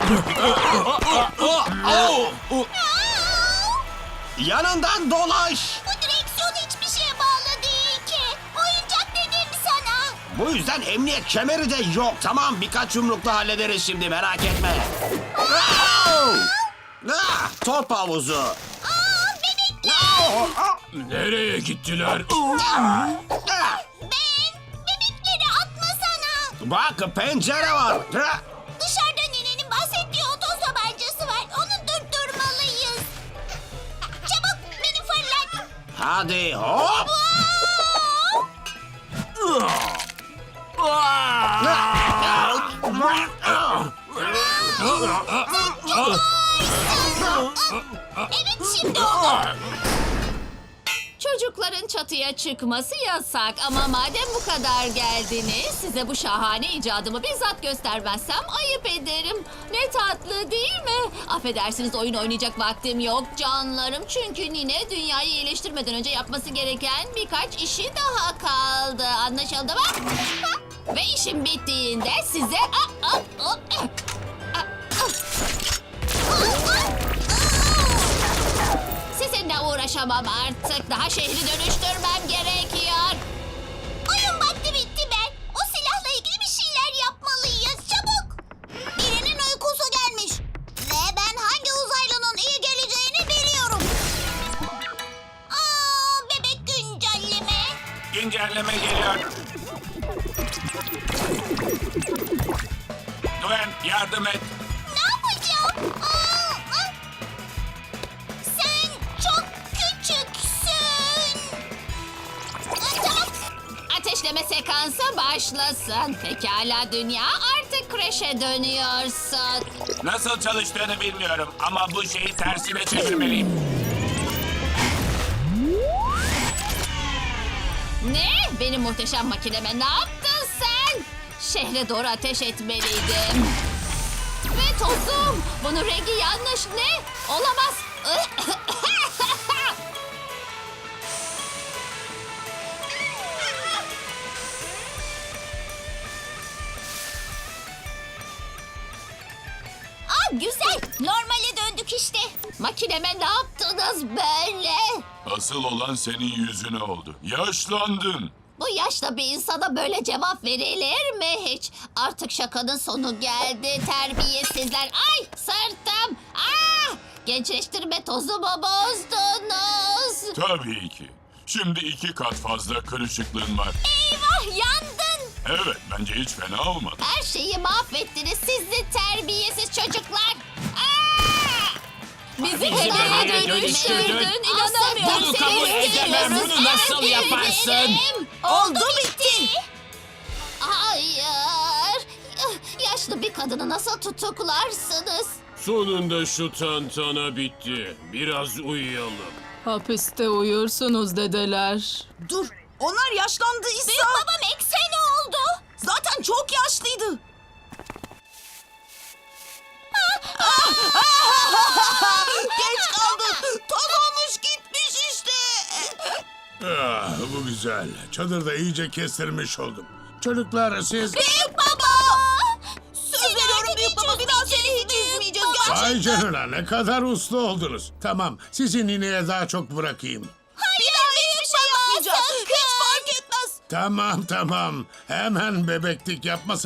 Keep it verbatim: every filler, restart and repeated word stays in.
Yanından dolaş. Bu direksiyon hiçbir şeye bağlı değil ki. Oyuncak dedim sana. Bu yüzden emniyet kemeri de yok. Tamam, birkaç yumrukla hallederiz şimdi, merak etme. Ah, top havuzu. Aa, bebekler. Nereye gittiler? Ah, Ben, bebekleri atmasana. Bak, pencere var. Ah, Dışarıda ninenin bahsettiği otoz tabancası var. Onu durdurmalıyız. Çabuk beni fırlat. hadi hop. Evet, şimdi oldu. Çocukların çatıya çıkması yasak ama madem bu kadar geldiniz size bu şahane icadımı bizzat göstermezsem ayıp ederim. Ne tatlı değil mi? Affedersiniz, oyun oynayacak vaktim yok canlarım. Çünkü nine dünyayı iyileştirmeden önce yapması gereken birkaç işi daha kaldı. Anlaşıldı mı? Ve işim bittiğinde size... Aa, aa, aa, aa, aa. Sizinle uğraşamam artık. Daha şehri dönüştürmem gerekiyor. Oyun vakti bitti ben. O silahla ilgili bir şeyler yapmalıyız. Çabuk. Birinin uykusu gelmiş. Ve ben hangi uzaylının iyi geleceğini biliyorum. Aa, bebek güncelleme. Güncelleme geliyor. Gwen, yardım et. Ne yapacağım? Aa, aa. Sen çok küçüksün. Aa, tamam. Ateşleme sekansı başlasın. Pekala dünya, artık kreşe dönüyorsun. Nasıl çalıştığını bilmiyorum ama bu şeyi tersine çevirmeliyim. Ne? Benim muhteşem makineme ne yaptın sen? Şehre doğru ateş etmeliydim. Ve tozum. Bunun rengi yanlış. Ne? Olamaz. Aa, güzel. Normale döndük işte. Makineme ne yaptınız böyle? Asıl olan senin yüzüne oldu. Yaşlandın. Bu yaşta bir insana böyle cevap verilir mi hiç? Artık şakanın sonu geldi terbiyesizler. Ay sırtım. Ah! Gençleştirme tozumu bozdunuz. Tabii ki. Şimdi iki kat fazla kırışıklığın var. Eyvah, yandın. Evet, bence hiç fena olmadı. Her şeyi mahvettiniz sizi terbiyesiz çocuklar. Ah! Bizi helaya helaya dönüştürdün. dönüştürdün. İnanamıyorum. Bunu Seni kabul edemem. istiyoruz. Bunu nasıl Evet, yaparsın? ederim. Oldu bitti. Hayır. Yaşlı bir kadını nasıl tutuklarsınız? Sonunda şu tantana bitti. Biraz uyuyalım. Hapiste uyursunuz dedeler. Dur, onlar yaşlandıysa... Büyük babam ekse ne oldu? Zaten çok yaşlıydı. Geç kaldın. Toz olmuş gitmiş işte. Ah, bu güzel. Çadırda iyice kestirmiş oldum. Çocuklar siz... Büyük baba. Söz veriyorum büyük baba, bir daha seni hiç üzmeyeceğiz gerçekten. Ay canına, ne kadar uslu oldunuz. Tamam, sizi nineye daha çok bırakayım. Bir daha hiçbir şey yapmayacağız. Hiç fark etmez. Tamam tamam. Hemen bebeklik yapma